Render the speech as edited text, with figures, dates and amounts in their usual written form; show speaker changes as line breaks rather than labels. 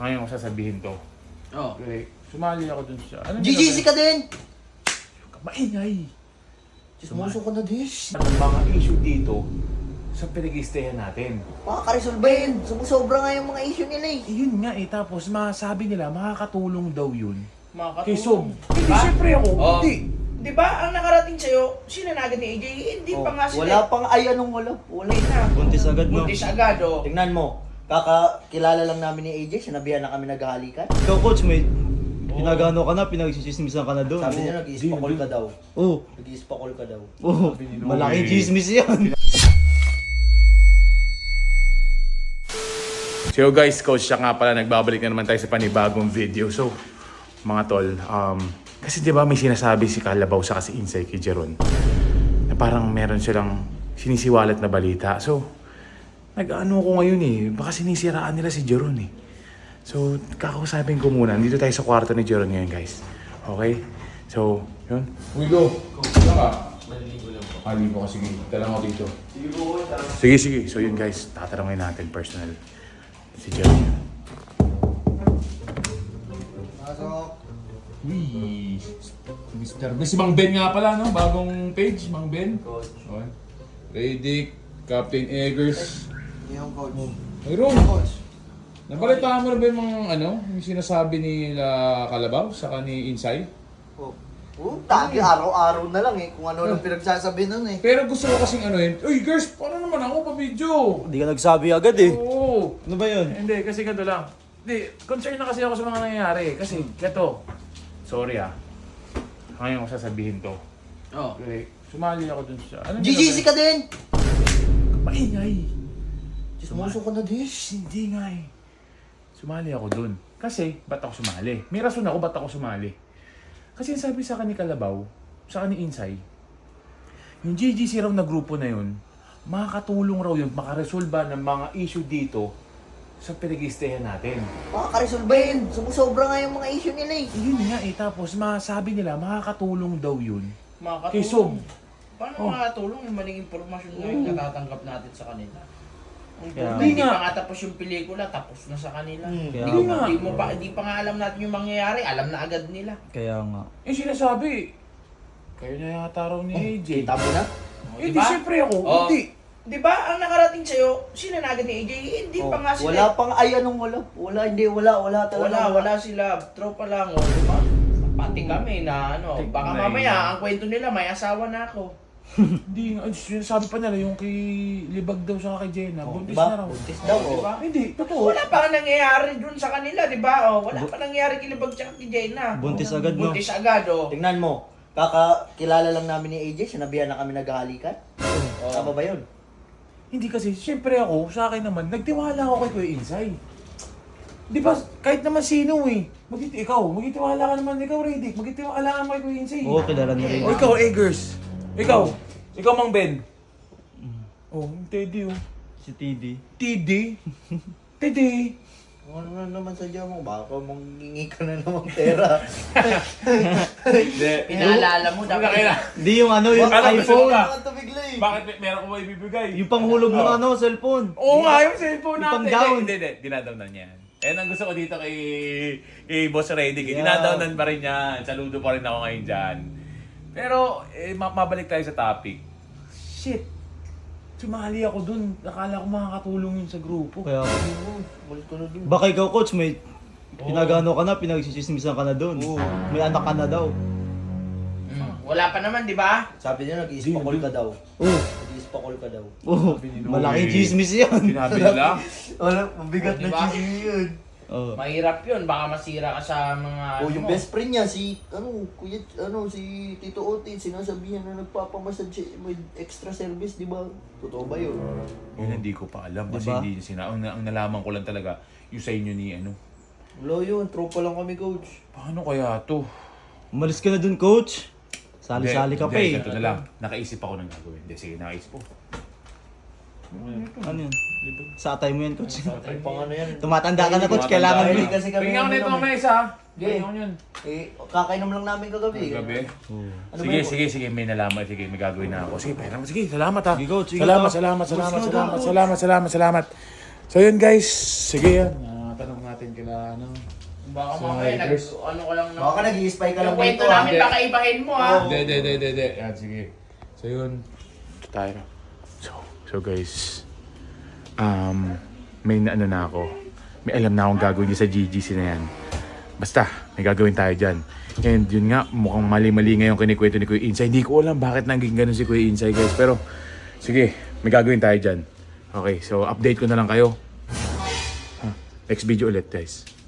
Ngayon ko sasabihin to.
Oh.
Okay, sumali ako dun siya. Ano
GGC ka din!
Maingay!
Chismoso ka na din.
Ang mga issue dito sa pinag-i-stayan natin.
Makakaresolve yun. Sumusobra nga yung mga issue nila eh.
Yun nga eh, tapos masabi nila makakatulong daw yun. Kay
Makakatulong.
Sob. Hindi,
Diba?
syempre ako.
Oh.
Hindi.
Di ba ang nakarating sa'yo, sinanagan ni AJ, hindi pa nga sila.
Wala pang ay anong wala. Wala
na.
Buntis agad, no?
Buntis agad, oh.
Tingnan mo. Kakakilala lang namin ni AJ. Sinabihan na kami naghahalikan.
Ikaw, coach, may pinagano ka na, pinagsisismisan ka na doon.
Sabi niya nag-iispakol ka daw.
Oo.
Nag-iispakol ka daw.
Oo. Malaking chismis yan.
So guys, Coach siya nga pala, nagbabalik na naman tayo sa panibagong video. So, mga tol, kasi di ba may sinasabi si Kalabaw sa kasi Insay kay Jeron na parang meron silang sinisiwalat na balita. So, nag-ano ko ngayon eh, baka sinisiraan nila si Jeron eh. So, kakausapin ko muna. Dito tayo sa kwarto ni Jeron ngayon, guys. Okay? So, yun. Ulo, wala ka? Maliligo lang po. Maliligo ka, sige. Talang ako dito. Sige po, sige, sige. So yun guys, tatanungin natin personal. Si Jeron.
Pasok.
Uy, Mr. Si Mang Ben nga pala, no? Bagong page, Mang Ben.
Coach.
Okay. Radic, Captain Eggers.
Yung coach.
Mayroon.
Coach.
Nabalitaan mo na ba yung mga yung sinasabi nila Kalabaw sa ni Insay?
Tagi araw-araw na lang eh. Kung ano lang pinagsasabi nun eh.
Pero gusto ko kasing uy girls, paano naman ako pa-video?
Hindi ka nagsabi agad eh.
Oo.
Ano ba yun?
Hindi, kasi ganito lang. Hindi, concern na kasi ako sa mga nangyayari. Kasi, gato. Sorry ngayon ko sasabihin to.
Oh.
Okay, sumali ako dun siya. Ano
GGC ka din!
Maingay!
Chismoso ka na din.
Hindi nga eh. Sumali ako dun. Kasi, ba't ako sumali? May rason ako ba't ako sumali. Kasi sabi sa akin ni Kalabaw, sa akin ni Insay, yung GGC raw na grupo na yun, makakatulong raw yun, makaresolba ng mga issue dito sa pinag-i-stayan natin.
Makakaresolve yun. Sumusobra nga yung mga issue nila eh.
Yun nga eh, tapos masabi nila makakatulong daw yun.
Makakatulong.
Kay Sob.
Paano makakatulong yung maling impormasyon na yung natatanggap natin sa kanila?
Kaya-
Hindi
Hindi
pa
nga.
nga tapos yung pelikula, tapos na sa kanila.
Kaya
Hindi nga.
Hindi pa nga alam natin yung mangyayari, alam na agad nila.
Kaya nga.
Eh sinasabi, kayo na yata raw ni AJ.
Kita mo na?
Eh di
Diba?
syempre ako,
Oh.
hindi.
Di ba ang nakarating sa'yo, sinanagan ni AJ, hindi pa nga sila.
Wala pang ay anong wala. Wala, hindi wala. Wala talaga.
Wala sila, tropa lang, o, di ba? Pati kami na baka
Tingnan
mamaya
na.
ang kwento nila may asawa na ako.
Hindi nga, sinasabi pa nila yung kay Libag daw sa kay Jenna, buntis
Diba?
na raw.
Buntis daw.
Di
Oh.
ba?
Hindi, totoo.
Wala pa nga nangyayari dun sa kanila, di ba? O, wala pa nangyayari kay Libag tsaka kay Jenna.
Buntis agad, no?
Buntis agad, o.
Tingnan mo. Kakakilala lang namin ni AJ. Sinabihan na kami naghahalikan.
Oh.
Tama ba yun?
Hindi kasi, syempre ako, sa akin naman, nagtiwala ako kay Kuya Insay. Di ba, kahit naman sino eh. Magtitiwala ka naman, ikaw Radic, magtitiwala ka naman kay Kuya Insay.
Oo, kilala na rin.
O ikaw, Eggers. Ikaw Mang Ben. Oh, yung Teddy oh.
Si TD.
Teddy? Teddy.
Ano na naman sadya mo? Baka mangingi ka na naman pera.
Pinaalala mo, dapat.
Hindi yung ano, yung
Ano,
iPhone.
gusto
Baka tumigla eh.
Bakit meron ko ba ibibigay?
Yung panghulog ng ano, cellphone.
Oo nga, yung cellphone
Yung
natin.
pang-down.
Hindi. Dinadown na niyan. Yan ang gusto ko dito kay Boss Redick.
Yeah.
Dinadownan pa rin yan. Saludo pa rin ako ngayon dyan. Pero, mabalik tayo sa topic. Shit. Sumali ako dun. Akala ko makakatulong yun sa grupo.
Kaya,
Balik ko na dun.
baka ikaw, coach, may pinagano ka na, pinagsisismisan ka na doon. May anak ka na daw.
Wala pa naman, di ba?
Sabi niya nag-iispakol ka daw.
Oo.
Nag-iispakol ka daw.
Oo. Malaking chismis yan.
Sinabi nila.
Wala, mabigat na
Diba?
chismis yun.
Oo.
Mahirap yun, baka masira ka sa mga...
O yung best friend niya, si si Tito Otin, sinasabihan na nagpapamassage siya, may extra service, di ba? Totoo ba yun?
Yun hindi ko pa alam. Kasi
Diba?
hindi niya ang nalaman ko lang talaga yung sa inyo ni ano.
Wala yun, tropa lang kami, coach.
Paano kaya to?
Umalis ka na dun, coach. Sali-sali ka pa eh.
Ito na lang. Nakaisip ako ng gagawin. Hindi, sige, nakaisip ko.
Ano yun? Sa atay mo yan, coach.
Ay, pang ano yan.
Tumatanda ka na, coach. Kailangan mo.
Hindi kasi kami.
Tingnan ko na ito
ano,
mamaya isa.
Sige.
Tingnan ko yun.
Kakainom lang namin kagabi.
Gabi.
Ano
Sige,
ba yun?
sige, may nalaman. Sige, may gagawin na ako. Sige, pera mo. Sige, salamat ha.
Sige, coach. Sige,
Salamat,
coach.
salamat.
Coach, go, coach.
So yun guys, sige yan. tanong natin kila ano.
Baka
So,
mamaya,
haters.
ano ko lang
Baka nag-i-spy ka lang
yung kwento
dito ah.
namin, baka ibahin mo ha.
Hindi. Yan, sige. So yun. Ito tayo. So guys. May ano na ako. May alam na akong gagawin niya sa GGC na yan. Basta, may gagawin tayo dyan. And yun nga, mukhang mali-mali ngayon kinikwento ni Kuya Insay. Hindi ko alam bakit naging ganun si Kuya Insay guys. Pero, sige, may gagawin tayo dyan. Okay, so update ko na lang kayo. Next video ulit guys.